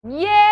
เย้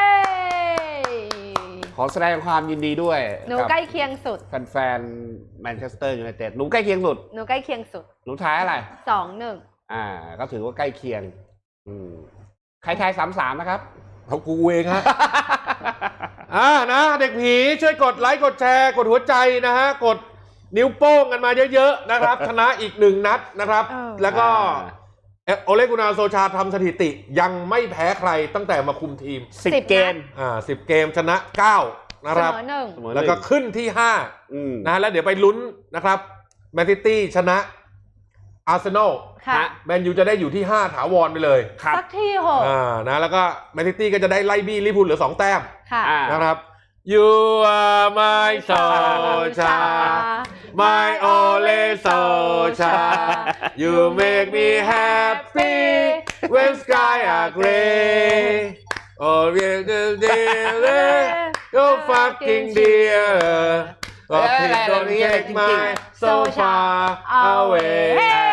ขอแสดงความยินดีด้วยหนูใกล้เคียงสุดแฟนแมนเชสเตอร์ยูไนเต็ดหนูใกล้เคียงสุดหนูใกล้เคียงสุดหนูทายอะไร 2-1 ก็ถือว่าใกล้เคียงใครทาย3-3นะครับเขากูเองฮะ นะเด็กผีช่วยกดไลค์กดแชร์กดหัวใจนะฮะกดนิ้วโป้งกันมาเยอะๆนะครับ ชนะอีก1 นัดนะครับ แล้วก็โอเลกุนาโซชาทำสถิติยังไม่แพ้ใครตั้งแต่มาคุมทีม 10 เกม 10 เกมชนะ9นะครับเสมอแล้วก็ขึ้นที่5นะแล้วเดี๋ยวไปลุ้นนะครับแมนซิตี้ชนะอาร์เซนอลแมนยูจะได้อยู่ที่5ถาวรไปเลยสักที่โหนะแล้วก็แมนซิตี้ก็จะได้ไล่บี้ลิเวอร์พูลเหลือ2 แต้มนะครับ You are my soldier my only soldier You make me happy when sky are gray Oh you fucking dear Oh please don't take my soul far away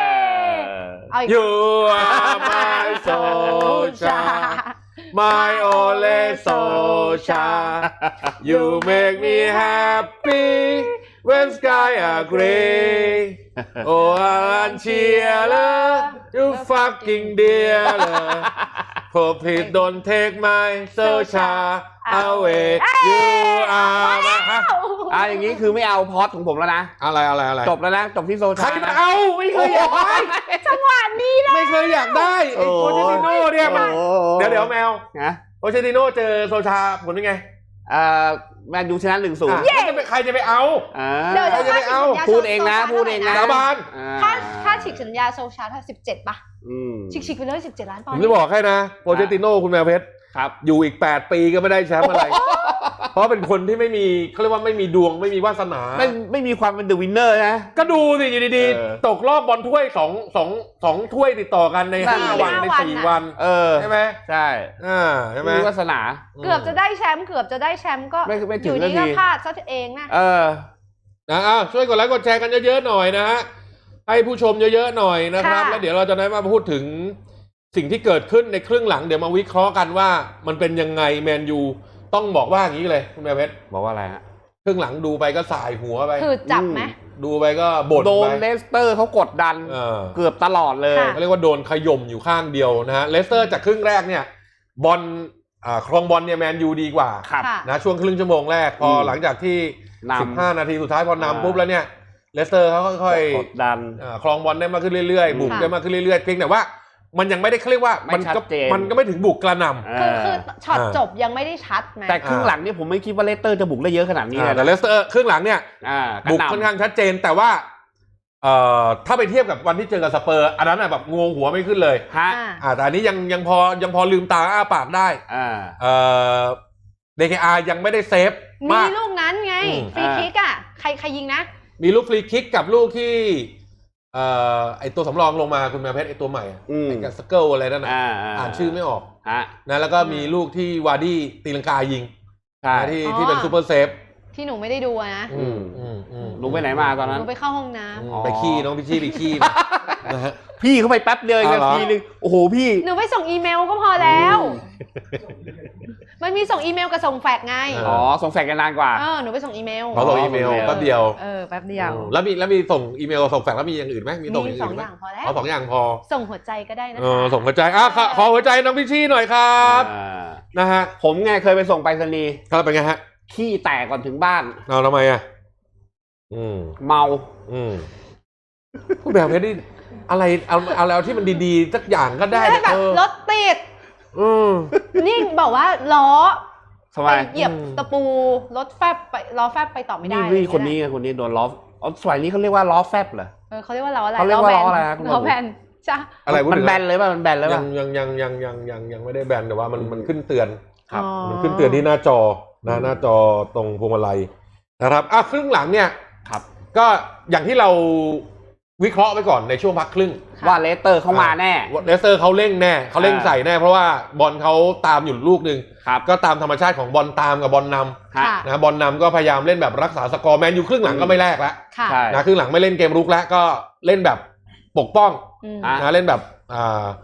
You are my soldier My only soldier You make me happy when sky are gray Oh cheerler You fucking dearler Oh please don't take my soldier away You are my อย่างนี้คือไม่เอาพอดของผมแล้วนะอะไรจบแล้วนะจบที่โซชาใครจะเอาไม่เคยอยากได้จังหวะนี้นะไม่เคยอยากได้ไอ้โคเชติโน่เนี่ยเดี๋ยวแมวโคเชติโน่เจอโซชาผลเป็นไงแมนยูชนะ 1-0 ใครจะไปเอาใครจะไปเอาพูดเองนะสาบานถ้าฉีกสัญญาโซชาถ้า17ป่ะฉีกไปเลย17 ล้านปอนด์ผมจะบอกให้นะโคเชติโน่คุณแมวเพชรอยู่อีก8 ปีก็ไม่ได้แชมป์อะไรเพราะเป็นคนที่ไม่มีเขาเรียกว่าไม่มีดวงไม่มีวาสนาไม่มีความเป็นเดอะวินเนอร์นะก็ดูสิอยู่ดีๆตกรอบบอลถ้วย2 ถ้วยติดต่อกันใน5 วันใน4 วันใช่ไหมใช่ใช่ไหมมีวาสนาเกือบจะได้แชมป์ก็อยู่ดีก็พลาดซะเองนะช่วยกดไลค์กดแชร์กันเยอะๆหน่อยนะฮะให้ผู้ชมเยอะๆหน่อยนะครับแล้วเดี๋ยวเราจะได้มาพูดถึงสิ่งที่เกิดขึ้นในครึ่งหลังเดี๋ยวมาวิเคราะห์กันว่ามันเป็นยังไงแมนยูต้องบอกว่าอย่างนี้เลยคุณแม่เพชรบอกว่าอะไรฮะครึ่งหลังดูไปก็สายหัวไปคือจับไหมดูไปก็บ่นไปโดนเลสเตอร์เขากดดันเกือบตลอดเลยเขาเรียกว่าโดนขย่มอยู่ข้างเดียวนะฮะเลสเตอร์จากครึ่งแรกเนี่ยบอลครองบอลเนี่ยแมนยูดีกว่านะช่วงครึ่งชั่วโมงแรกพอหลังจากที่15 นาทีสุดท้ายพอนำปุ๊บแล้วเนี่ยเลสเตอร์เขาค่อยๆกดดันครองบอลได้มากขึ้นเรื่อยๆบุกได้มากขึ้นเรื่อยๆเพียงแต่ว่ามันยังไม่ได้เรียกว่ามันก็ไม่ถึงบุกกระหน่ำคือช็อตจบยังไม่ได้ชัดไหมแต่ครึ่งหลังนี่ผมไม่คิดว่าเลสเตอร์จะบุกได้เยอะขนาดนี้แต่เลสเตอร์ครึ่งหลังเนี่ยบุกค่อนข้างชัดเจนแต่ว่าถ้าไปเทียบกับวันที่เจอกับสเปอร์อันนั้นแบบงงหัวไม่ขึ้นเลยแต่อันนี้ยังพอลืมตาอ้าปากได้DKR ยังไม่ได้เซฟมีลูกนั้นไงฟรีคิกใครยิงนะมีลูกฟรีคิกกับลูกที่ไอตัวสำรองลงมาคุณแมวเพชรไอตัวใหม่ไอสเกิลอะไรนั่นอ่านชื่อไม่ออกนะแล้วก็มีลูกที่วาร์ดี้ตีลังกายิงที่เป็นซูเปอร์เซฟที่หนูไม่ได้ดูนะลุงไปไหนมาตอนนั้นหนูไปเข้าห้องน้ำไปขี้น้องพี่ไปขี้พี่เขาไปแป๊บเดียวทีนึงโอ้โหพี่หนูไปส่งอีเมลก็พอแล้วมันมีส่งอีเมลกับส่งแฟกซ์ไงส่งแฟกซ์กันนานกว่าหนูไปส่งอีเมลเขาส่งอีเมลแป๊บเดียวแป๊บเดียวแล้วมีส่งอีเมลส่งแฟกซ์แล้วมีอย่างอื่นไหมมีส่ง 2 อย่างพอแล้ว 2 อย่างพอส่งหัวใจก็ได้นะคะส่งหัวใจขอหัวใจน้องพี่ชี่หน่อยครับนะฮะผมไงเคยไปส่งไปรษณีย์ครับเป็นไงฮะขี้แตกก่อนถึงบ้านทำไมเมาผู้แบบนี้อะไรเอาแล้วที่มันดีๆสักอย่างก็ได้แบบรถติดนี่บอกว่าล้อไปเหยียบตะปูรถแฟบไปล้อแฟบไปต่อไม่ได้นี่คนนี้โดนล้อสมัยนี้เขาเรียกว่าล้อแฟบเหรอเขาเรียกว่าล้ออะไรเขาเรียกว่าล้ออะไรล้อแบนจ้ะอะไรมันแบนเลยป่ะมันแบนแล้วป่ะยังไม่ได้แบนแต่ว่ามันขึ้นเตือนมันขึ้นเตือนที่หน้าจอตรงพวงมาลัยนะครับครึ่งหลังเนี่ยก็อย่างที่เราวิเคราะห์ไปก่อนในช่วงพักครึ่งว่าเลสเตอร์เขามาแน่เลสเตอร์เขาเร่งแน่เขาเร่งใส่แน่เพราะว่าบอลเขาตามอยู่ลูกนึงก็ตามธรรมชาติของบอลตามกับบอลนำนะบอลนำก็พยายามเล่นแบบรักษาสกอร์แมนยูครึ่งหลังก็ไม่แลกแล้วนะครึ่งหลังไม่เล่นเกมรุกแล้วก็เล่นแบบปกป้องนะเล่นแบบ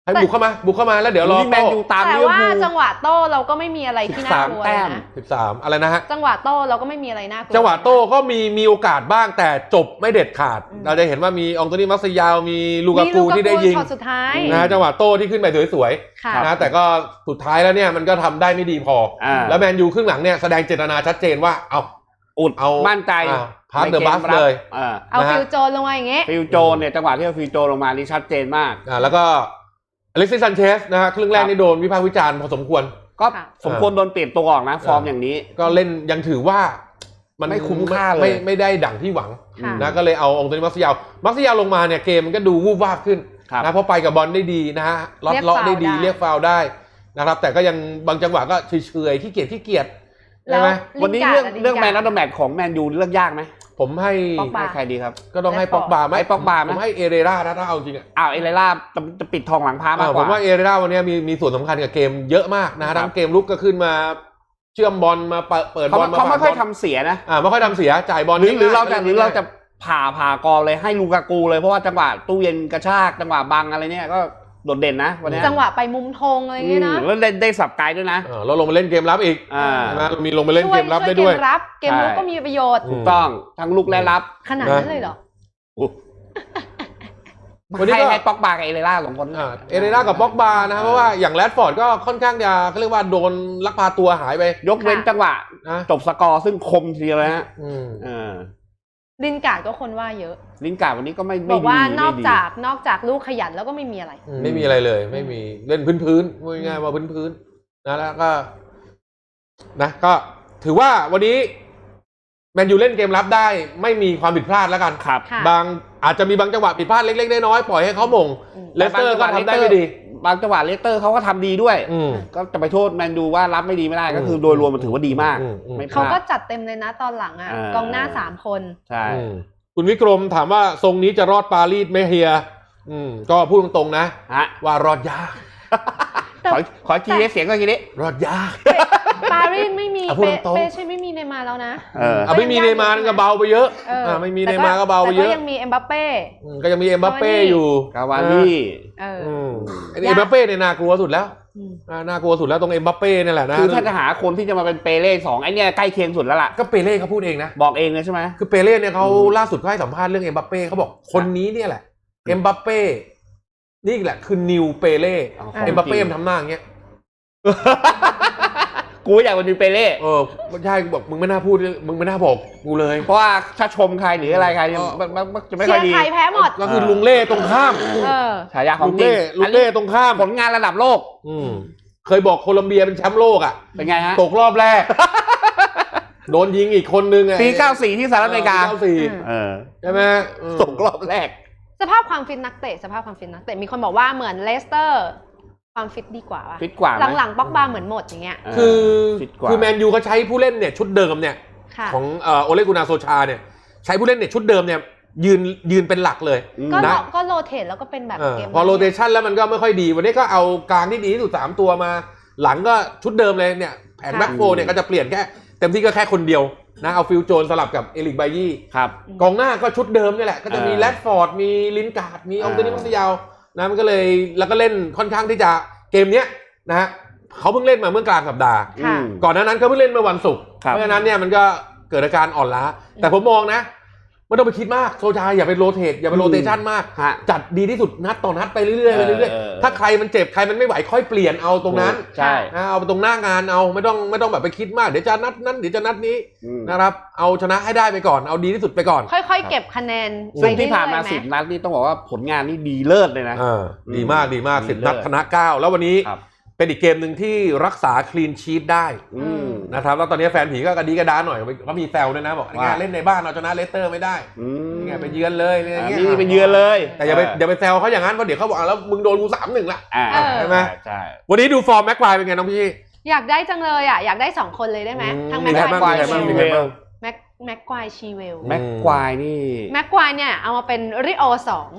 ให้บุกเข้ามาแล้วเดี๋ยวรอแมนยูตามแต่ลิเวอร์ว่าพูลจังหวะโต้เราก็ไม่มีอะไรที่น่ากลัวเลยนะ 13อะไรนะฮะจังหวะโต้เราก็ไม่มีอะไรน่ากลัวจังหวะโต้ก็มีโอกาสบ้างแต่จบไม่เด็ดขาดเราจะเห็นว่ามีองโตนี่มัสยาวมีลูกากูที่ได้ยิงช็อตสุดท้ายนะจังหวะโต้ที่ขึ้นไปสวยค่ะๆนะแต่ก็สุดท้ายแล้วเนี่ยมันก็ทำได้ไม่ดีพอแล้วแมนยูครึ่งหลังเนี่ยแสดงเจตนาชัดเจนว่าเอามั่นใจพาร์ทเดอะบัฟเลยเอาฟิลโจนลงมาอย่างเงี้ยฟิลโจนเนี่ยจังหวะที่เอาฟิลโจนลงมานี่ชัดเจนมากแล้วก็อเล็กซิส ซันเชสนะฮะครึ่งแรกนี่โดนวิพากษ์วิจารณ์พอสมควรก็สมควรโดนเปลี่ยนตัวออกนะฟอร์มอย่างนี้ก็เล่นยังถือว่ามันไม่คุ้มค่าเลยไม่ได้ดั่งที่หวังนะก็เลยเอาองโตนี่มัสยาวลงมาเนี่ยเกมมันก็ดูวูบวาบขึ้นนะเพราะไปกับบอลได้ดีนะฮะเลาะได้ดีเรียกฟาวล์ได้นะครับแต่ก็ยังบางจังหวะก็เฉยๆขี้เกียจใช่ไหมวันนี้เรื่องแมนออฟเดอะแมตช์ของแมนยูเลือกยากไหมผมให้ใครดีครับก็ต้องให้ป็อกบาไหมผมให้เอเรราถ้าเอาจริงเอเรราจะปิดทองหลังพามากกว่าผมว่าเอเรราวันนี้มีส่วนสำคัญกับเกมเยอะมากนะทั้งเกมลุกก็ขึ้นมาเชื่อมบอลมาเปิดบอลเขาไม่ค่อยทำเสียนะไม่ค่อยทำเสียจ่ายบอลหรือเราจะผ่ากองเลยให้ลูกากูเลยเพราะว่าจังหวะตู้เย็นกระชากจังหวะบังอะไรเนี่ยก็โดดเด่นนะวันนี้จังหวะไปมุมธงอะไรอย่างเงี้ยนะแล้วได้สับไกลด้วยนะเราลงมาเล่นเกมรับอีกนะมีลงมาเล่นเกมรับได้ด้วยเกมรับก็มีประโยชน์ถูกต้องทั้งลุกและรับขนาดนั้นเลยเหรอวันนี้ให้ป็อกบากับเอเรรา2คนเอเรรากับป็อกบานะเพราะว่าอย่างแรดฟอร์ดก็ค่อนข้างจะเขาเรียกว่าโดนลักพาตัวหายไปยกเว้นจังหวะจบสกอร์ซึ่งคมทีเลยฮะลินการ์ดก็คนว่าเยอะลินการ์ดวันนี้ก็ไม่บอกว่านอกจากลูกขยันแล้วก็ไม่มีอะไรไม่มีอะไรเลยไม่มีเล่นพื้นพูดง่ายๆว่าพื้นนะแล้วก็นะก็ถือว่าวันนี้แมนยูเล่นเกมรับได้ไม่มีความผิดพลาดแล้วกันครับอาจจะมีบางจังหวะผิดพลาดเล็กๆน้อยๆปล่อยให้เขามงเลสเตอร์ก็ทำได้ไม่ดีบางจังหวะเลสเตอร์เขาก็ทำดีด้วยก็จะไปโทษแมนยูว่ารับไม่ดีไม่ได้ก็คือโดยรวมมันถือว่าดีมากเขาก็จัดเต็มเลยนะตอนหลังกองหน้า3คนใช่คุณวิกรมถามว่าทรงนี้จะรอดปารีสไหมเฮียก็พูดตรงๆนะว่ารอดยากขอทีเสียงก็ทีนี้รอดยากปารีสไม่มีเป้ใช่ไม่มีเนย์มาร์แล้วนะไม่มีเนย์มาร์ก็เบาไปเยอะไม่มีเนย์มาร์ก็เบาไปเยอะแต่ก็ยังมีเอ็มบัปเป้ก็ยังมีเอ็มบัปเป้อยู่กาวานี่เอ็มบัปเป้เนี่ยน่ากลัวสุดแล้วน่ากลัวสุดแล้วตรงเอ็มบัปเป้นี่แหละนะคือถ้าจะหาคนที่จะมาเป็นเปเล่2ไอ้เนี่ยใกล้เคียงสุดแล้วล่ะก็เปเล่เขาพูดเองนะบอกเองเลยใช่ไหมคือเปเล่เนี่ยเขาล่าสุดเขาให้สัมภาษณ์เรื่องเอ็มบัปเป้เขาบอกคนนี้เนี่ยแหละเอ็มบัปเป้นี่แหละคือนิวเปเล่เอ็มบัปเป้ทำหน้าอย่างเงี้ยกูอยากเป็นเปเล่ไม่ใช่บอกมึงไม่น่าพูดมึงไม่น่าบอกกูเลยเพราะว่าถ้าชมใครหรืออะไรใครจะไม่ค่อยดีเชียร์ใครแพ้หมดก็คือลุงเล่ตรงข้ามฉายาของจริงลุงเล่ตรงข้ามผลงานระดับโลกเคยบอกโคลอมเบียเป็นแชมป์โลกเป็นไงฮะตกรอบแรกโดนยิงอีกคนนึงปี94ที่สหรัฐอเมริกาใช่ไหมตกรอบแรกสภาพความฟิตนักเตะมีคนบอกว่าเหมือนเลสเตอร์ความฟิตดีกว่าฟิตกว่าหลังๆป็อกบาเหมือนหมดอย่างเงี้ยคือแมนยูเขาใช้ผู้เล่นเนี่ยชุดเดิมเนี่ยของโอเลกุนาโซชาเนี่ยใช้ผู้เล่นเนี่ยชุดเดิมเนี่ยยืนเป็นหลักเลยก็โรเทตแล้วก็เป็นแบบเกมพอโรเทชันแล้วมันก็ไม่ค่อยดีวันนี้ก็เอากลางที่ดีที่สุด3ตัวมาหลังก็ชุดเดิมเลยเนี่ยแผงแบ็คโฟเนี่ยก็จะเปลี่ยนแค่เต็มที่ก็แค่คนเดียวนะเอาฟิลโจนสลับกับเอริกไบยี่กองหน้าก็ชุดเดิมนี่แหละก็จะมีแรดฟอร์ดมีลินการ์ดมีองโตนี่มัสยาวนะมันก็เลยแล้วก็เล่นค่อนข้างที่จะเกมเนี้ยนะฮะเขาเพิ่งเล่นมาเมื่อกลางสัปดาห์ก่อนหน้านั้นเขาเพิ่งเล่นเมื่อวันศุกร์เพราะฉะนั้นเนี่ยมันก็เกิดอาการอ่อนล้าแต่ผมมองนะไม่ต้องไปคิดมากโซชาอย่าไปโรเทตอย่าไปโรเตชันมากจัดดีที่สุดนัดต่อนัดไปเรื่อยๆถ้าใครมันเจ็บใครมันไม่ไหวค่อยเปลี่ยนเอาตรงนั้นเอาไปตรงหน้างานเอาไม่ต้องแบบไปคิดมากเดี๋ยวจะนัดนั้นเดี๋ยวจะนัดนี้นะครับเอาชนะให้ได้ไปก่อนเอาดีที่สุดไปก่อนค่อยๆเก็บคะแนนซึ่งที่ผ่านมา10 นัดนี่ต้องบอกว่าผลงานนี่ดีเลิศเลยนะดีมาก10 นัดชนะ9แล้ววันนี้เป็นอีกเกมหนึ่งที่รักษาคลีนชีทได้นะครับแล้วตอนนี้แฟนผีก็กระดีกระดาหน่อยเขามีแซวด้วยนะบอกงานเล่นในบ้านเราชนะเลสเตอร์ไม่ได้ไงไปเยือนเลยอะไรเงี้ยไปเยือนเลยแต่อย่าไปแซวเขาอย่างนั้นเพราะเดี๋ยวเขาบอกแล้วมึงโดนกู3-1ละใช่ไหมใช่วันนี้ดูฟอร์มแม็กควายเป็นไงน้องพี่อยากได้จังเลยอยากได้2คนเลยได้ไหมทั้งแม็กควายชีเวลแม็กควายชีเวลแม็กควายนี่แม็กควายเนี่ยเอามาเป็นริโอ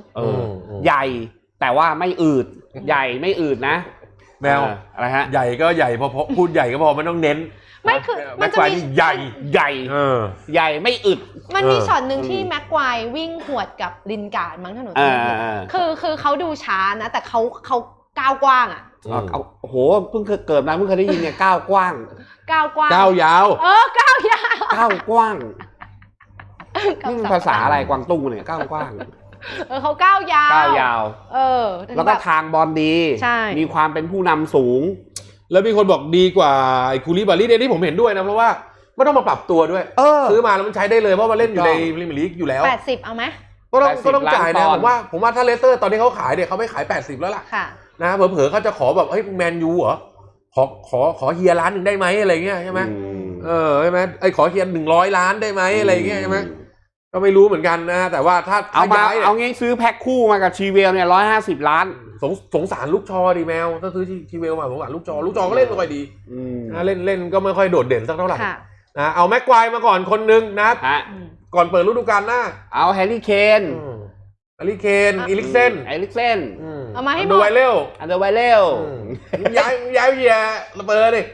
2 ใหญ่แต่ว่าไม่อืดใหญ่ไม่อืดนะแมวอะไรฮะใหญ่ก็ใหญ่พอพูดใหญ่ก็พอไม่ต้องเน้นไม่คือมันจะมีใหญ่ใหญ่ไม่อึดมันมีช็อตหนึ่งที่แม็กควายวิ่งหวดกับลินการ์ดมั้งถนนคือเขาดูช้านะแต่เขาก้าวกว้างอ่ะโอ้โหเพิ่งเกิดมาเพิ่งเคยได้ยินเนี่ยก้าวกว้างก้าวกว้างก้าวยาวก้าวยาวก้าวกว้างนี่มันภาษาอะไรกวางตุ้งเนี่ยก้าวกว้างเขาก้าวยาวก้าวยาวแล้วก็ทางบอลดีใช่มีความเป็นผู้นำสูงแล้วมีคนบอกดีกว่าไอ้คูลิบาลีเนี่ยที่ผมเห็นด้วยนะเพราะว่าไม่ต้องมาปรับตัวด้วยซื้อมาแล้วมันใช้ได้เลยเพราะมันเล่นอยู่ในพรีเมียร์ลีกอยู่แล้ว 80เอาไหมก็ต้องจ่ายนะผมว่าถ้าเลสเตอร์ตอนนี้เขาขายเนี่ยเขาไม่ขาย80แล้วล่ะนะเผลอๆเขาจะขอแบบเฮ้ยแมนยูเหรอขอเฮียล้านหนึ่งได้ไหมอะไรเงี้ยใช่ไหมใช่ไหมไอ้ขอเฮีย100 ล้านได้ไหมอะไรเงี้ยใช่ไหมก็ไม่รู้เหมือนกันนะแต่ว่าถ้าเอางี้ซื้อแพ็คคู่มากับชีเวลเนี่ย150 ล้านสงสารลูกชอดีแมวถ้าซื้อชีเวลมาสงสารลูกชอก็เล่นไม่ค่อยดีเล่นก็ไม่ค่อยโดดเด่นสักเท่าไหร่นะเอาแม็กควายมาก่อนคนนึงนะก่อนเปิดฤดูกาลหน้าเอาแฮร์รี่เคนอีลิกเซนเอามาให้หมดอันเดอร์ไวเล่ย้ายเฮียระเบิดดิ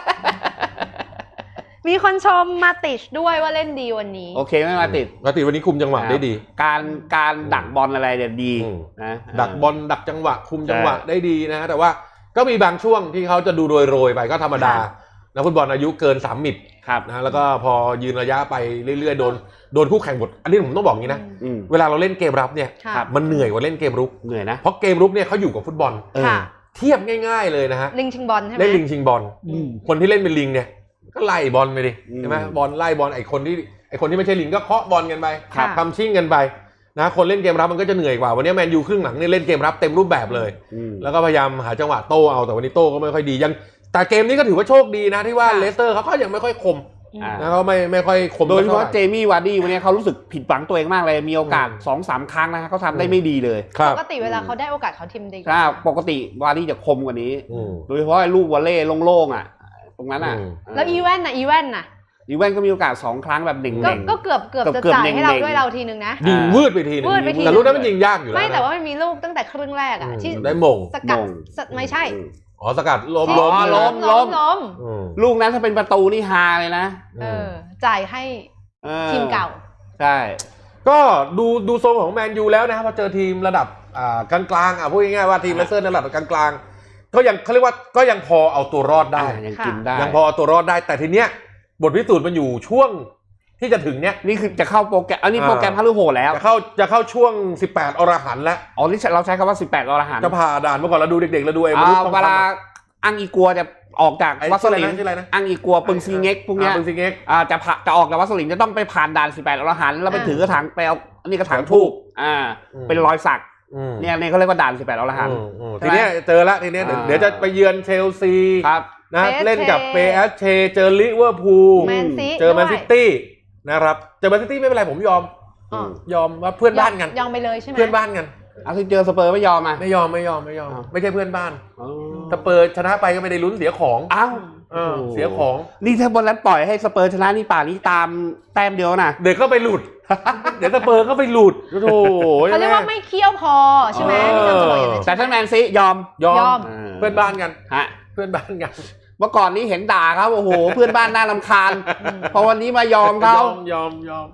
มีคนชมมาติชด้วยว่าเล่นดีวันนี้โอเคไม่มาติดวันนี้คุมจังหวะได้ดีการดักบอลอะไรเนี่ยดีนะดักบอลดักจังหวะคุมจังหวะได้ดีนะแต่ว่าก็มีบางช่วงที่เขาจะดูโรยไปก็ธรรมดานักฟุตบอลอายุเกิน3 มิตรนะแล้วก็พอยืนระยะไปเรื่อยๆโดนคู่แข่งหมดอันนี้ผมต้องบอกงี้นะเวลาเราเล่นเกมรับเนี่ยมันเหนื่อยกว่าเล่นเกมรุกเหนื่อยนะเพราะเกมรุกเนี่ยเขาอยู่กับฟุตบอลเทียบง่ายๆเลยนะฮะลิงชิงบอลใช่ไหมเล่นลิงชิงบอลคนที่เล่นเป็นลิงเนี่ยก็ไล่บอลไปดิใช่ไหมบอลไล่บอลไอ้คนที่ไม่ใช่ลิงก็เคาะบอลกันไปทำชิ่งกันไปนะคนเล่นเกมรับมันก็จะเหนื่อยกว่าวันนี้แมนยูครึ่งหลังเนี่ยเล่นเกมรับเต็มรูปแบบเลยแล้วก็พยายามหาจังหวะโต้เอาแต่วันนี้โต้ก็ไม่ค่อยดียังแต่เกมนี้ก็ถือว่าโชคดีนะที่ว่าเลสเตอร์เขาก็ยังไม่ค่อยคมนะเขาไม่ค่อยคมโดยเฉพาะเจมี่วาร์ดี้วันนี้เขารู้สึกผิดหวังตัวเองมากเลยมีโอกาส 2-3 ครั้งนะเขาทำได้ไม่ดีเลยปกติเวลาเขาได้โอกาสเขาทีมดีปกติวาร์ดี้จะคมกว่านี้โดยเฉพาะลูกวอลเล่โล่งๆอ่ะตรงนั้นอ่ะแล้วอีแว่นก็มีโอกาส2 ครั้งแบบเด่งๆก็เกือบจะจ่ายให้เราด้วยเราทีนึงนะยิงวืดไปทีนึงแต่ลูกนั้นมันยิงยากอยู่แล้วไม่แต่ว่ามันมีลูกตั้งแต่ครึ่งแรกอ่ะที่ได้มงสกัดไม่ใช่สกัดล้มลูกนั้นถ้าเป็นประตูนี่ฮาเลยนะจ่ายให้ทีมเก่าใช่ก็ดูโซนของแมนยูแล้วนะครับพอเจอทีมระดับกลางๆพูดง่ายๆว่าทีมเลสเตอร์ระดับกลางๆก็ยังเขาเรียกว่าก็ยังพอเอาตัวรอดได้ยังกินได้ยังพอเอาตัวรอดได้แต่ทีเนี้ยบทพิสูจน์มันอยู่ช่วงที่จะถึงเนี้ยนี่คือจะเข้าโปรแกรมอันนี้โปรแกรมพฤหัสแล้วจะเข้าช่วง18 อรหันต์แล้วนี่เราใช้คำว่า18 อรหันต์จะผ่าด่านเมื่อก่อนเราดูเด็กๆเราดูเวลาอังอีกัวจะออกจากวัสลินอังอีกัวปึงซีเง็กพวกนี้จะออกจากวัสลินจะต้องไปผ่านด่าน18 อรหันต์แล้วไปถือกระถางไปเอาอันนี้กระถางทูบเป็นรอยสักเนี่ยเขาเรียกว่าด่าน18 อรหันต์ทีนี้เจอละทีนี้เดี๋ยวจะไปเยือนเชลซีนะเล่นกับเปเอสเชเจอลิเวอร์พูลเจอแมนซิตี้นะครับเจอแมนซิตี้ไม่เป็นไรผมยอมว่าเพื่อนบ้านกันยอมไปเลยใช่ไหมเพื่อนบ้านกันที่เจอสเปอร์ไม่ยอมไม่ยอมไม่ใช่เพื่อนบ้านสเปอร์ชนะไปก็ไม่ได้ลุ้นเสียของเสียของนี่ถ้าบนนั้นปล่อยให้สเปอร์ชนะนี่ป่านี้ตามแต้มเดียวนะเดี๋ยวก็ไปหลุดเดี๋ยวสเปอร์ก็ไปหลุดโอ้โหเขาเรียกว่าไม่เคี่ยวพอใช่ไหมแต่ถ้าแมนซียอมเพื่อนบ้านกันเพื่อนบ้านกันเมื่อก่อนนี้เห็นด่าครับโอ้โหเพื่อนบ้านน่ารำคาญพอวันนี้มายอมเขายอม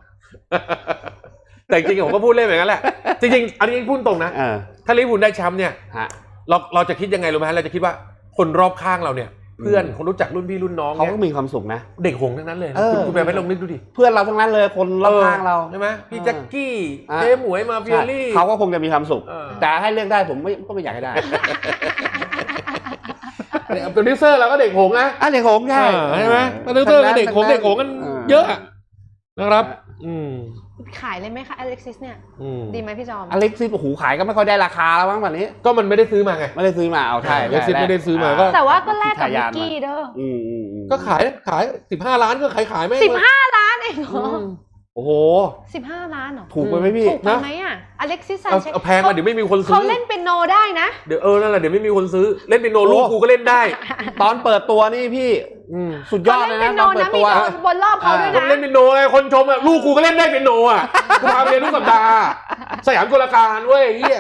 แต่จริงๆผมก็พูดเล่นแบบนั้นแหละจริงๆอันนี้พูดตรงนะถ้าลิเวอร์พูลได้แชมป์เนี่ยเราจะคิดยังไงรู้ไหมเราจะคิดว่าคนรอบข้างเราเนี่ยเพื่อนคนรู้จักรุ่นพี่รุ่นน้องเขาก็มีความสุขนะเด็กหงทั้งนั้นเลยคุณแม่ไปลองนึกดูดิเพื่อนเราทั้งนั้นเลยคนรอบข้างเราใช่ไหมพี่แจ็คกี้เจ๊หมวยมาเฟียรี่เขาก็คงจะมีความสุขแต่ให้เลือกได้ผมก็ไม่อยากให้ได้โปรดิวเซอร์เราก็เด็กหงนะเด็กหงใช่ไหมโปรดิวเซอร์ก็เด็กหงกันเยอะนะครับขายเลยไหมคะอเล็กซิสเนี่ยดีไหมพี่จอมอเล็กซิสโอ้โหขายก็ไม่ค่อยได้ราคาแล้วบ้างแบบนี้ก็มันไม่ได้ซื้อมาไงไม่ได้ซื้อมาเอาใช่อเล็กซิสไม่ได้ซื้อมาก็แต่ว่าก็แลกกับมิกกี้เด้อก็ขาย15 ล้านก็ขายไม่ 15 ล้านเองเหรอโอ้โห 15 ล้านเหรอถูกไปไหมพี่ถูกไปไหมอ่ะอเล็กซิสเอาแพงมาเดี๋ยวไม่มีคนซื้อเขาเล่นเป็นโนได้นะเดี๋ยวนั่นแหละเดี๋ยวไม่มีคนซื้อเล่นเป็นโนลูกกูก็เล่นได้ตอนเปิดตัวนี่พี่สุดยอดเลยนะตอนเปิดตัวบนรอบเขาด้วยนะเล่นเป็นโนไงคนชมอ่ะลูกกูก็เล่นได้เป็นโนอ่ะกูพาไปเรียนทุกสัปดาห์สยามกลการเว้ยเฮีย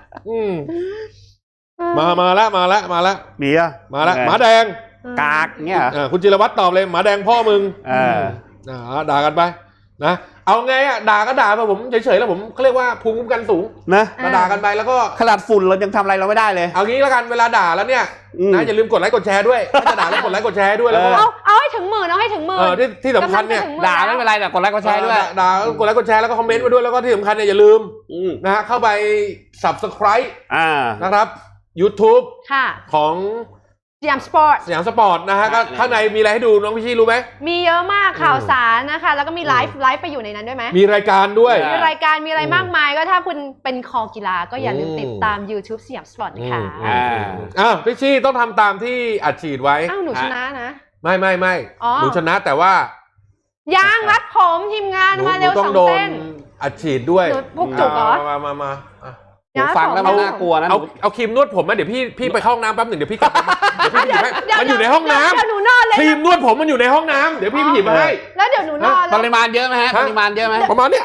มาละเบียร์มาละหมาแดงกากเนี่ยคุณจิรวัตรตอบเลยหมาแดงพ่อมึงด่ากันไปนะเอาไงอ่ะด่าก็ด่าไปผมเฉยๆแล้วผมเขาเรียกว่าภูมิคุ้มกันสูงนะมาด่ากันไปแล้วก็ขนาดฝุ่นเรายังทำอะไรเราไม่ได้เลยเอางี้แล้วกันเวลาด่าแล้วเนี่ยนะอย่าลืมกดไลค์กดแชร์ด้วยถ้าจะด่าแล้วกดไลค์กดแชร์ด้วยแล้วก็เอาให้ถึงหมื่นเอาให้ถึงหมื่นที่สำคัญเนี่ยด่าไม่เป็นไรแต่กดไลค์กดแชร์ด้วยด่ากดไลค์กดแชร์แล้วก็คอมเมนต์มาด้วยแล้วก็ที่สำคัญเนี่ยอย่าลืมนะฮะเข้าไป subscribe นะครับ YouTube ค่ะของสยามสปอร์ตสยามสปอร์ตนะฮะก็ข้างในมีอะไรให้ดูน้องพี่ชี่รู้ไหมมีเยอะมากข่าวสารนะคะแล้วก็มีไลฟ์ไปอยู่ในนั้นด้วยไหมมีรายการด้วยมีรายการมีอะไรมากมายก็ถ้าคุณเป็นคอกีฬาก็อย่าลืมติดตาม YouTube สยามสปอร์ตนะคะพี่ชี่ต้องทำตามที่อัดฉีดไว้อ้าวหนูชนะนะไม่อ๋อหนูชนะแต่ว่ายางรัดผมทีมงานมาเร็วต้อสงองโดนเส้นอัดฉีดด้วยหนูพวกจุกเหรอมาฟังแล้วมันน่ากลัวนะเอาครีมนวดผมมาเดี๋ยวพี่ไปเข้าห้องน้ำแป๊บหนึ่งเดี๋ยวพี่กลับมาเดี๋ยวพี่หยิบให้มันอยู่ในห้องน้ำเดี๋ยวหนูนอนเลยครีมนวดผมมันอยู่ในห้องน้ำเดี๋ยวพี่ไปหยิบมาให้แล้วเดี๋ยวหนูนอนปริมาณเยอะไหมฮะปริมาณเยอะไหมประมาณเนี้ย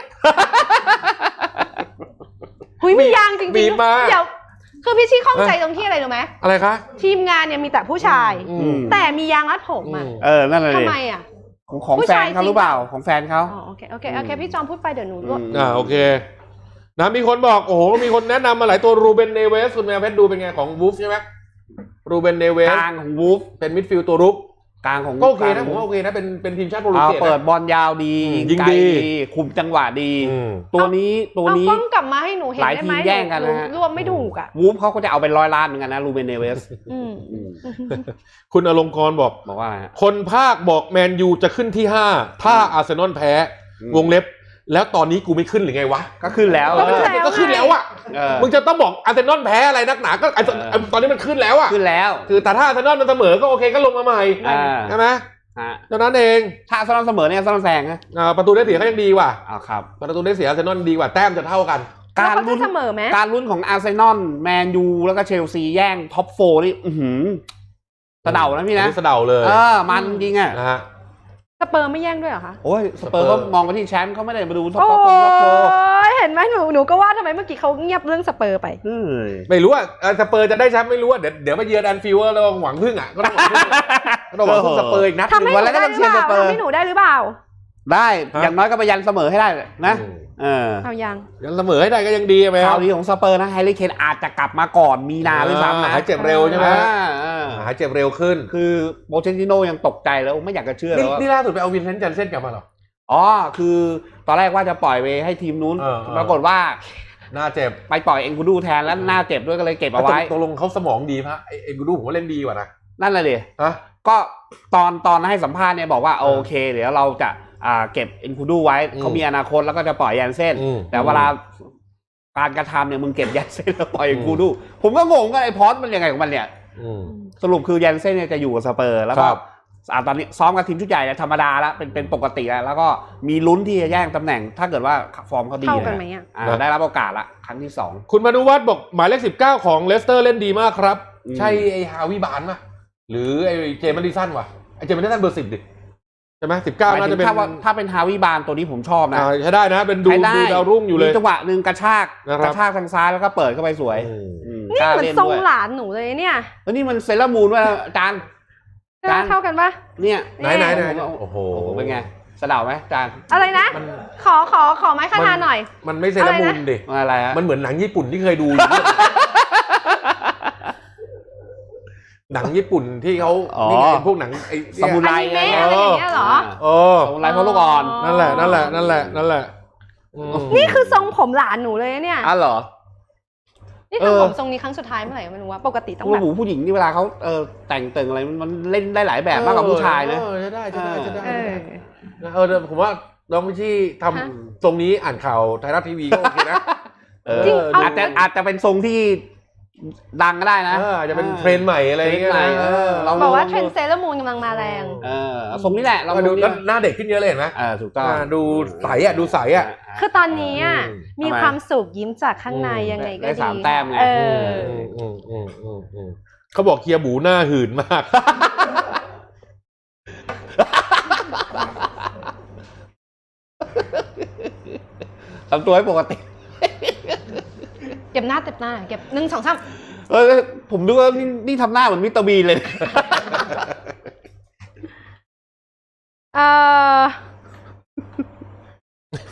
หุยมียางจริงๆบีบมาเดี๋ยวคือพี่ชี่ข้องใจตรงที่อะไรรู้ไหมอะไรคะทีมงานเนี่ยมีแต่ผู้ชาย แต่มียางรัดผมอ่ะนั่นเลยทำไมอ่ะของแฟนเขาหรือเปล่าของแฟนเขาอ๋อโอเคพี่จอมพูดไปเดี๋ยวหนูรวบโอเคนะมีคนบอกโอ้โหมีคนแนะนำมาหลายตัวรูเบนเนเวสคุณแมวเพชรดูเป็นไงของวูฟใช่ไหมรูเบนเนเวสกลางของวูฟเป็นมิดฟิลด์ตัวรุกกลางของก็โอเคนะผมว่าโอเคนะเป็นทีมชาติโปรตุเกสเปิดบอลยาวดียิงไกลดีคุมจังหวะดี ตัวนี้เอากล้องกลับมาให้หนูเห็นหลายได้ทีไหมมแย่งกันนะฮะรวมไม่ถูกอ่ะวูฟเขาก็จะเอาเป็น100 ล้านเหมือนกันนะรูเบนเนเวสคุณอลงกรณ์บอกบอกว่าอะไรฮะคนภาคบอกแมนยูจะขึ้นที่5ถ้าอาร์เซนอลแพ้วงเล็บแล้วตอนนี้กูไม่ขึ้นหรือไงวะก็ขึ้นแล้วก็ขึ้นแล้วอ่ะมึงจะต้องบอกอาร์เซนอลแพ้อะไรนักหนาก็ตอนนี้มันขึ้นแล้วอ่ะขึ้นแล้วคือแต่ถ้าอาร์เซนอลมันเสมอก็โอเคก็ลงมาใหม่ใช่ไหมเท่านั้นเองถ้าอาร์เซนอลเสมอเนี่ยอาร์เซนอลแซงนะประตูได้เสียเขายังดีกว่าครับประตูได้เสียอาร์เซนอลดีกว่าแต้มจะเท่ากันการลุ้นเสมอไหมการลุ้นของอาร์เซนอลแมนยูแล้วก็เชลซีแย่งท็อป4นี่สะเดานะพี่นะสะเดาเลยมันจริงอ่ะนะฮะสเปอร์ไม่แย่งด้วยเหรอคะโอ้ยสเปอร์ก็มองไปที่แชมป์เขาไม่ได้มาดูท็อปโอ้โฟยเห็นไหมหนูก็ว่าทำไมเมื่อกี้เขาเงียบเรื่องสเปอร์ไปไม่รู้ว่าสเปอร์จะได้แชมป์ไม่รู้ว่าเดี๋ยวมาเยือนแอนฟิลด์เราหวังพึ่งอ่ะก็ต้องหวังพึ่งสเปอร์อีกนัดทำให้หนูได้หรือเปล่าทำให้หนูได้หรือเปล่าได้อย่างน้อยก็ไปยันเสมอให้ได้นะเอายังเสมอให้ได้ก็ยังดีไหมคข่ารัวบดีของสเปอร์นะแฮร์รี่เคนอาจจะกลับมาก่อนมีนาด้วยซ้ำนะหายเจ็บเร็วใช่ไหมหายเจ็บเร็วขึ้นคือโปเชนติโนยังตกใจแล้วไม่อยากจะเชื่อแล้วนี่ล่าสุดไปเอาวินเซนต์จันเซ่นกลับมาหรอคือตอนแรกว่าจะปล่อยไปให้ทีมนู้นปรากฏว่าหน้าเจ็บไปปล่อยเอ็นกูดูแทนแล้วหน้าเจ็บด้วยก็เลยเก็บเอาไว้ตกลงเขาสมองดีพะเอ็นกูดูผมว่าเล่นดีกว่านะนั่นแหละดิก็ตอนให้สัมภาษณ์เนี่ยบอกว่าโอเคเดี๋ยวเราจะเก็บเอ็นกูดูไว้เขามีอนาคตแล้วก็จะปล่อยยันเส้นแต่เวลาการกระทำเนี่ยมึงเก็บยันเส้นแล้วปล่อยเอ็นกูดูผมก็งงกันไอ้พอสมันยังไงของมันเนี่ยสรุปคือยันเส้นเนี่ยจะอยู่กับสเปอร์แล้วก็ตอนนี้ซ้อมกับทีมชุดใหญ่ธรรมดาแล้วเป็นปกติแล้วก็มีลุ้นที่จะแย่งตำแหน่งถ้าเกิดว่าฟอร์มเขาดีเข้ากันไหมได้รับโอกาสละครั้งที่2 คุณมานุวัฒน์บอกหมายเลข19ของเลสเตอร์เล่นดีมากครับใช่ไอ้ฮาวิบานป่ะหรือไอ้เจมส์ดิสันวะไอ้เจมส์ดิสันเบอร์10ดิใช่ไหม19น่าจะเป็นถ้าเป็นฮาวิบานตัวนี้ผมชอบนะใช้ได้นะเป็นดูดาวรุ่งอยู่เลยจังหวะหนึ่งกระชากทางซ้ายแล้วก็เปิดเข้าไปสวยนี่เหมือนทรงหลานหนูเลยเนี่ยแล้วนี่มันเซเลอร์มูนว่าอาจารย์เท่ากันปะเนี่ยไหนโอ้โหเป็นไงสะเดาไหมอาจารย์อะไรนะขอไม้ขนาดหน่อยมันไม่เซเลอร์มูนดิอะไรฮะมันเหมือนหนังญี่ปุ่นที่เคยดูหนังญี่ปุ่นที่เขานี่ไงพวกหนังไอ้ซามูไรอะไรอย่างเงี้ยเหรอซามูไรพวกลูกอ่อนนั่นแหละนี่คือทรงผมหลานหนูเลยเนี่ยเหรอนี่ทำผมทรงนี้ครั้งสุดท้ายเมื่อไหร่ไม่รู้ว่าปกติต้องแบบผู้หญิงนี่เวลาเขาแต่งตึงอะไรมันเล่นได้หลายแบบมากกว่าผู้ชายนะจะได้ผมว่าน้องพิชี่ทำทรงนี้อ่านข่าวไทยรัฐทีวีก็โอเคนะอาจจะเป็นทรงที่ดังก็ได้นะอาจจะเป็นเทรนด์ใหม่อะไรอย่างเงี้ยบอกว่าเทรนด์เซเลอร์มูนกำลังมาแรงทรงนี้แหละเราดูหน้าเด็กขึ้นเยอะเลยเห็นไหมถูกต้องดูใสดูใสคือตอนนี้มีความสุขยิ้มจากข้างในยังไงก็ดี 3 แต้มไงเขาบอกเคียบูหน้าหื่นมากทำตัวให้ปกติเก็บหน้าเก็บ1 2 3ผมดูว่านี่ทำหน้าเหมือนมิสเตอร์บีนเลย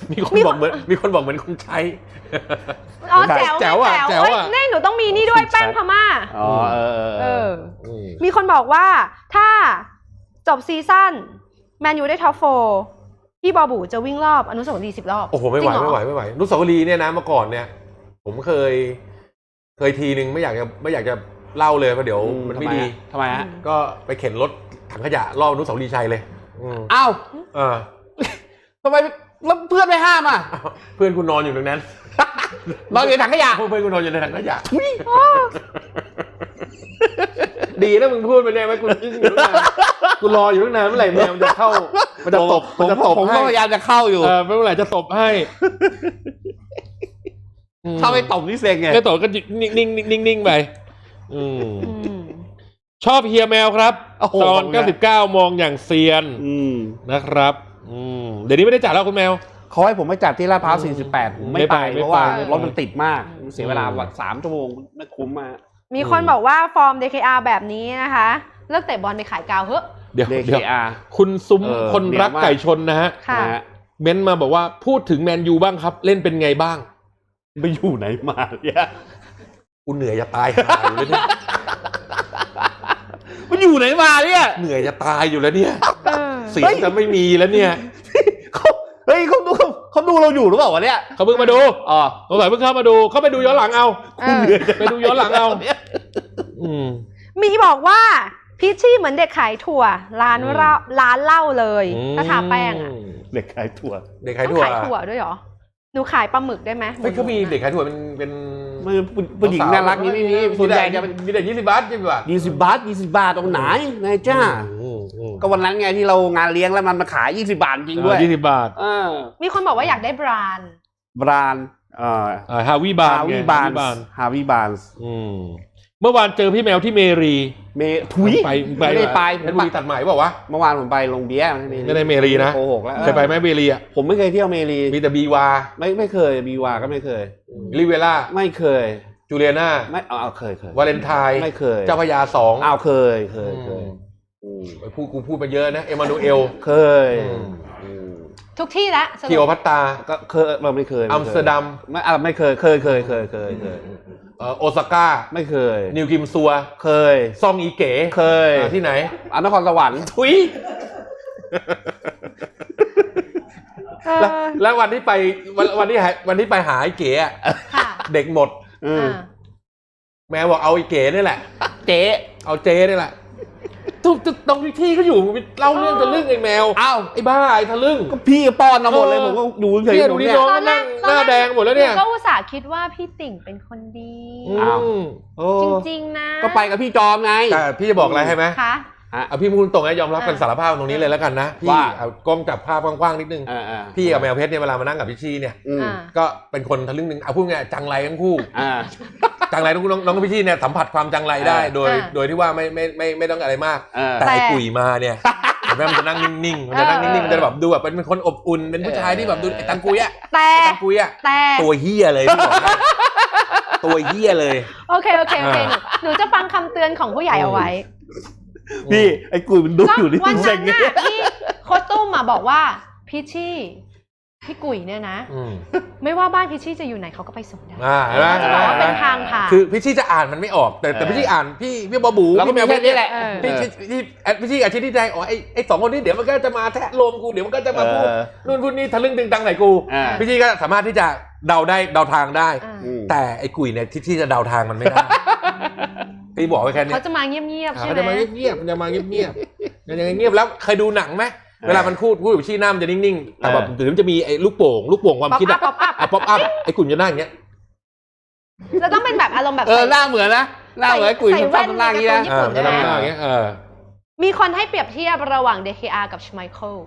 มีคนบอกเหมือนคนใช้อ๋อแจ๋วนี่หนูต้องมีนี่ด้วยแป้งพม่าอ๋อมีคนบอกว่าถ้าจบซีซั่นแมนยูได้ท็อป4พี่บอบูจะวิ่งรอบอนุสาวรีย์10 รอบโอ้โหไม่ไหวอนุสาวรีย์เนี่ยนะเมื่อก่อนเนี่ยผมเคยทีนึงไม่อยากจะเล่าเลยเพราะเดี๋ยวมันไม่ดีทำไมฮะก็ไปเข็นรถถังขยะรอบอนุสาวรีย์ชัยเลยอ้าวทำไมแล้วเพื่อนไม่ห้ามอ่ะเพื่อนคุณนอนอยู่ตรงนั้นนอนอยู่ในถังขยะเพื่อนคุณนอนอยู่ในถังขยะดีนะมึงพูดไปเนี่ยไหมกูรออยู่ตั้งนานเมื่อไหร่แมวมันจะเข้ามันจะตบผมก็พยายามจะเข้าอยู่เมื่อไหร่จะตบให้ถ้าไม่ตบนี่เซ็งไงไม่ตบก็นิ่งไปชอบเฮียแมวครับตอน99มองอย่างเซียนนะครับเดี๋ยวนี้ไม่ได้จัดแล้วคุณแมวเขาให้ผมไปจัดที่ลาดพร้าว48ผมไม่ไปเพราะว่ารถมันติดมากเสียเวลา3 ชั่วโมงไม่คุ้มมากมีคนบอกว่าฟอร์ม DKR แบบนี้นะคะเลิกเตะบอลไปขายกาวเถอะเดี๋ยว DKR คุณซุ้มคนรักไก่ชนนะฮะเม้นมาบอกว่าพูดถึงแมนยูบ้างครับเล่นเป็นไงบ้างไปอยู่ไหนมาเนี่ยกูเหนื่อยจะตายหาอยู่เลยเนี่ยมันอยู่ไหนมาเนี่ยเหนื่อยจะตายอยู่แล้วเนี่ยเสียงจะไม่มีแล้วเนี่ยเขาดูเราอยู่หรือเปล่าวะเนี่ยเขาเพิ่งมาดูสงสัยเพิ่งเข้ามาดูเขาไปดูย้อนหลังเอาคุณเหนื่อยไปดูย้อนหลังเอามีบอกว่าพีชชี่เหมือนเด็กขายถั่วร้านเหล้าเลยถ้าทาแป้งเด็กขายถั่วขายถั่วด้วยเหรอหนูขายปลาหมึกได้ไหมไม่เขามีเด็กขายถั่วเป็นผู้หญิงน่ารักนี่ไม่มีส่วนใหญ่จะมีแต่20 บาท 20 บาทตรงไหนนายจ้าก็วันนั้นไงที่เรางานเลี้ยงแล้วมันมาขาย20 บาทจริงด้วย 20 บาทมีคนบอกว่าอยากได้แบรนด์ฮาวิบานเมื่อวานเจอพี่แมวที่เมรีถุยไม่ได้ไปเพชรบุรีตัดใหม่เปล่าวะเมื่อวานผมไปลงเบียร์ไม่ได้เมรีนะโกหกแล้วเคยไปไหมเมรีอ่ะผมไม่เคยเที่ยวเมรีมีแต่บีวาไม่เคยบีวาก็ไม่เคยลิเวล่าไม่เคยจูเลียนาไม่เคยวาเลนไทน์ไม่เคยเจ้าพระยา2 เคยกูพูดไปเยอะนะเอมานูเอลเคยทุกที่ละคิโอพัตตาก็เคยไม่เคยอัมสเตอร์ดัมไม่เคยโอซาก้าไม่เคยนิวกิมซัวเคยซองอีเก๋เคยที่ไหนนครสวรรค์ทุยแล้ววันที่ไปหาไอ้เก๋เด็กหมดแมวบอกเอาไอ้เก๋นี่แหละเอาเจ๊นี่แหละตรงที่เขาอยู่เล่าเรื่องจะเรื่องไอ้แมวไอ้บ้าไอ้ทะลึ่งก็พี่ป้อนมาหมดเลยผมก็ดูเฉยๆดูนี่น้องนั่งหน้าแดงหมดแล้วเนี่ยก็อุตส่าห์คิดว่าพี่ติ่งเป็นคนดีจริงๆนะก็ไปกับพี่จอมไงแต่พี่จะบอกอะไรให้ไหมเอาพี่พูดตรงนะยอมรับกันสารภาพตรงนี้เลยแล้วกันนะพี่เอากล้องจับภาพกว้างๆนิดนึงพี่กับแมวเพชรเนี่ยเวลามานั่งกับพี่ชี่เนี่ยก็เป็นคนทะลึ่งนึงเอาพูดง่ายจังไรทั้งคู่จังไรน้องพี่ชี่เนี่ยสัมผัสความจังไรได้โดยที่ว่าไม่ต้องอะไรมากแต่ไอ้กุ๋ยมาเนี่ยแม่มันจะนั่งนิ่งๆมันจะนั่งนิ่งๆมันจะแบบดูแบบเป็นคนอบอุ่นเป็นผู้ชายที่แบบดูไอ้ตังกุยอะตังกุยอะตัวเฮียเลยพี่บอกตัวเฮียเลยโอเคหนูจะฟังคำเตือนของผู้ใหญ่เอาไว้พี่ไอ้กุยมันดูอยู่นี่วันนั้นน่ะที่โค้ชตุ้มมาบอกว่าพี่ชี่พี่กุ๋ยเนี่ยนะไม่ว่าบ้านพี่ชี่จะอยู่ไหนเขาก็ไปส่งได้จะบอกว่าเป็นทางผ่านคือพี่ชี่จะอ่านมันไม่ออกแต่พี่ชี่อ่านพี่บอบูพี่แมวนี่แหละพี่ชี่อาชีพที่ใจอ๋อไอ้2 คนนี้เดี๋ยวมันก็จะมาแทะโลมกูเดี๋ยวมันก็จะมาพูดนู่นพูดนี่ทะลึ่งตึงตังไหนกูพี่ชี่ก็สามารถที่จะเดาทางได้แต่ไอ้กุ๋ยเนี่ยที่จะเดาทางมันไม่ได้พี่บอกไว้แค่นี้เขาจะมาเงียบๆใช่ไหมเขาจะมาเงียบๆมันจะมาเงียบๆยังเงียบแล้วเคยดูหนังไหมเวลามันพูดกับชี้หน้ามันจะนิ่งๆแต่แบบถึงจะมีไอ้ลูกโป่งความคิดอะป๊อปอัพไอ้กุ่นจะหน้าอย่างเงี้ยเราต้องเป็นแบบอารมณ์แบบหน้าเหมือนนะหน้าเหมือนกุ่นชอบทำหน้าอย่างเงี้ยจะทำหน้าอย่างเงี้ยมีคนให้เปรียบเทียบระหว่าง DKR กับชไมเคิล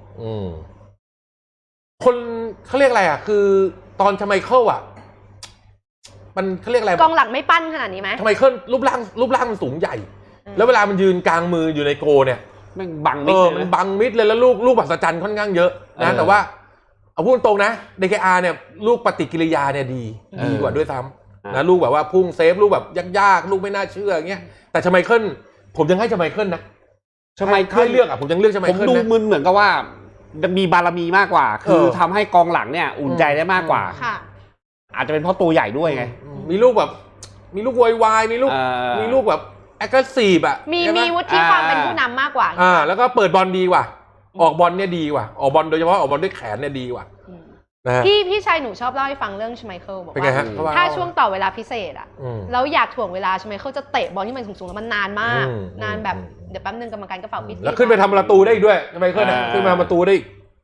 คนเขาเรียกอะไรอ่ะคือตอนชไมเคิลอ่ะมันเขาเรียกอะไรกองหลังไม่ปั้นขนาดนี้ไหมชไมเคิลรูปร่างมันสูงใหญ่แล้วเวลามันยืนกลางมืออยู่ในโกเนี่ยมันบังมิดเลยมันบังมิดเลยแล้วลูกมหัศจรรย์ค่อนข้างเยอะนะแต่ว่าเอาพูดตรงนะ DKR เนี่ยลูกปฏิกิริยาเนี่ยดีกว่าด้วยซ้ำนะลูกแบบว่าพุ่งเซฟลูกแบบยากๆลูกไม่น่าเชื่ออย่างเงี้ยแต่ชไมเคิลผมยังให้ชไมเคิลนะชไมเคิลเลือกอ่ะผมยังเลือกชไมเคิลนะผมดูมึนเหมือนกับว่ามีบารมีมากกว่า คือทำให้กองหลังเนี่ยอุ่นใจได้มากกว่าค่ะอาจจะเป็นเพราะตัวใหญ่ด้วยไงมีลูกแบบมีลูกวายมีลูกแบบแอคทีฟอ่ะมีวุฒิความเป็นผู้นำมากกว่าแล้วก็เปิดบอลดีกว่าออกบอลเนี่ยดีกว่าออกบอลโดยเฉพาะออกบอลด้วยแขนเนี่ยดีกว่าพี่ชายหนูชอบเล่าให้ฟังเรื่องชไมเคิลบอกว่าถ้าช่วงต่อเวลาพิเศษอ่ะแล้วอยากถ่วงเวลาชไมเคิลจะเตะบอลที่มันสูงๆแล้วมันนานมากนานแบบเดี๋ยวแป๊บนึงกรรมการก็เป่าปิดแล้วขึ้นไปทำประตูได้อีกด้วยชไมเคิลขึ้นมาประตูได้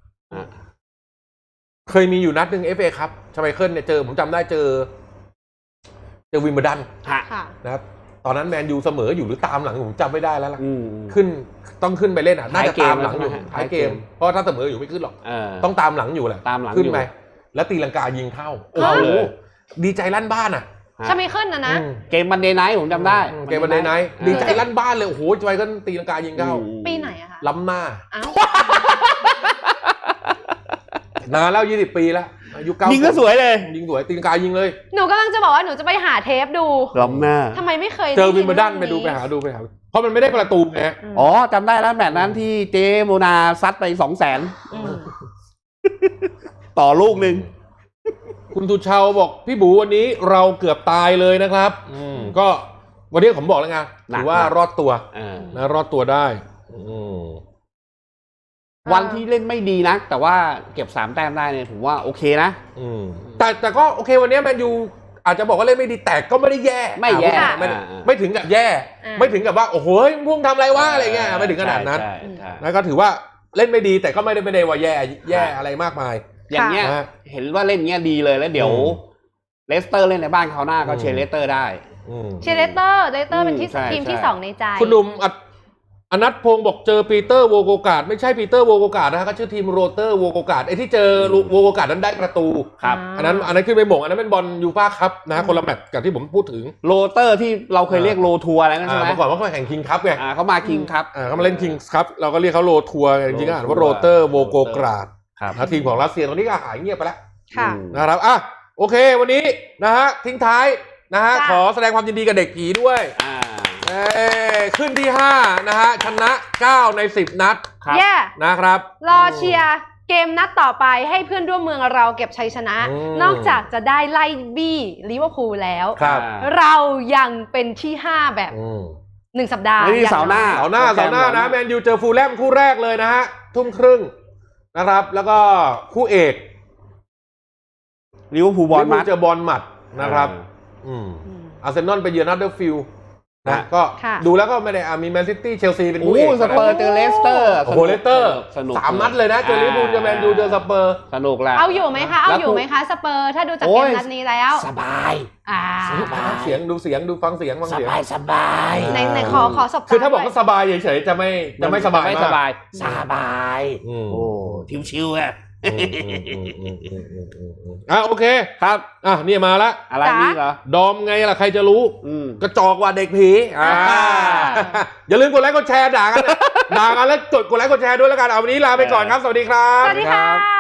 เคยมีอยู่นัดหนึ่ง FA ครับชไมเคิลเนี่ยผมจำได้เจอวิมเบิลดันนะครับตอนนั้นแมนยูเสมออยู่หรือตามหลังผมจำไม่ได้แล้วล่ะต้องขึ้นไปเล่นน่าจะตามหลังอยู่ท้ายเกมเพราะถ้าเสมออยู่ไม่ขึ้นหรอกต้องตามหลังอยู่แหละขึ้นไปแล้วตีลังกายิงเข้าโอ้โหดีใจลั่นบ้านอ่ะชไมเคิลนะเกมมันเดย์ไนท์ผมจำได้เกมมันเดย์ไนท์ดีใจลั่นบ้านเลยโอ้โหชไมเคิลตีลังกายิงเข้าปีไหนอะคะล้ำหน้านานแล้ว20 ปีแล้วอายุ9 ยิงก็สวยเลยยิงสวยตีลังกายิงเลยหนูกำลังจะบอกว่าหนูจะไปหาเทปดูล้ำหน้าทำไมไม่เคยเจอวิมเบิลดันไปหาดูเพราะมันไม่ได้ประตูไงอ๋อจำได้แล้วแมตช์นั้นที่เจโมนาซัดไป200,000ต่อลูกนึงคุณทุชาวบอกพี่บูวันนี้เราเกือบตายเลยนะครับก็วันนี้ผมบอกแล้วไงถือว่ารอดตัวนะรอดตัวได้วันที่เล่นไม่ดีนะแต่ว่าเก็บ3 แต้มได้เนี่ยถือว่าโอเคนะแต่ก็โอเควันนี้แมนยูอาจจะบอกว่าเล่นไม่ดีแต่ก็ไม่ได้แย่ไม่ถึงกับแย่ไม่ถึงกับว่าโอ้โหพุ่งทำอะไรวะอะไรเงี้ยไม่ถึงขนาดนั้นแล้วก็ถือว่าเล่นไม่ดีแต่ก็ไม่ได้ว่าแย่อะไรมากมายอย่างเงี้ยเห็นว่าเล่นเงี้ยดีเลยแล้วเดี๋ยวเลสเตอร์เล่นในบ้านเขาหน้าก็เชียร์เลสเตอร์ได้เชียร์เลสเตอร์เป็นทีมที่2ในใจคุณหนุ่มอนัทพงศ์บอกเจอปีเตอร์โวโกกาดไม่ใช่ปีเตอร์โวโกกาดนะฮะก็ชื่อทีมโรเตอร์โวโกกาดไอ้ที่เจอโวโกกาดนั้นได้ประตูครับอันนั้นขึ้นไปหม่งอันนั้นเป็นบอลยูฟ่าคัพนะคนละแมตช์กับที่ผมพูดถึงโรเตอร์ที่เราเคยเรียกโรทัวร์อะไรนั่นใช่ไหมเมื่อก่อนว่าเขาแข่งคิงคัพไงเขามาคิงคัพเขามาเล่นคิงคัพเราก็เรียกเขาโรทัวร์จริงๆอ่านว่าโรเตอร์โวโกกาดทีมของรัสเซียตอนนี้ก็หายเงียบไปแล้วนะครับโอเควันนี้นะฮะทิ้งท้ายนะฮะขอแสดงความยินดีกับเด็กผีด้วยขึ้นที่5นะฮะชนะ9ใน10นัดนะครับรอเชียร์เกมนัดต่อไปให้เพื่อนร่วมเมืองเราเก็บชัยชนะนอกจากจะได้ไล่บี้ลิเวอร์พูลแล้วเรายังเป็นที่5แบบ1 สัปดาห์เสาร์หน้านะแมนยูเจอฟูลแลมคู่แรกเลยนะฮะ 20:30 นะครับแล้วก็คู่เอกลิเวอร์พูลบอลมัดเจอบอลมัดนะครับอาร์เซนอลไปเยือนนัดเดอร์ฟิลด์นะก็ดูแล้วก็ไม่ได้มีแมนซิตี้เชลซีเป็นคู่เอกสเปอร์เจอเลสเตอร์โอ้โหเลสเตอร์3 นัดเลยนะเจอลิเวอร์พูลเจอแมนยูเจอสเปอร์สนุกแล้วเอาอยู่ไหมคะสเปอร์ถ้าดูจากเกมนัดนี้แล้วสบายเสียงดูฟังเสียงสบายในขอสบคือถ้าบอกว่าสบายเฉยๆจะไม่สบายโอ้ชิวๆอ่ะโอเคครับนี่มาละอะไรนี่เหรอดอมไงล่ะใครจะรู้กระจอกว่าเด็กผีอย่าลืมกดไลค์กดแชร์ด่ากันแล้วกดไลค์กดแชร์ด้วยแล้วกันเอาวันนี้ลาไปก่อนครับสวัสดีครับสวัสดีค่ะ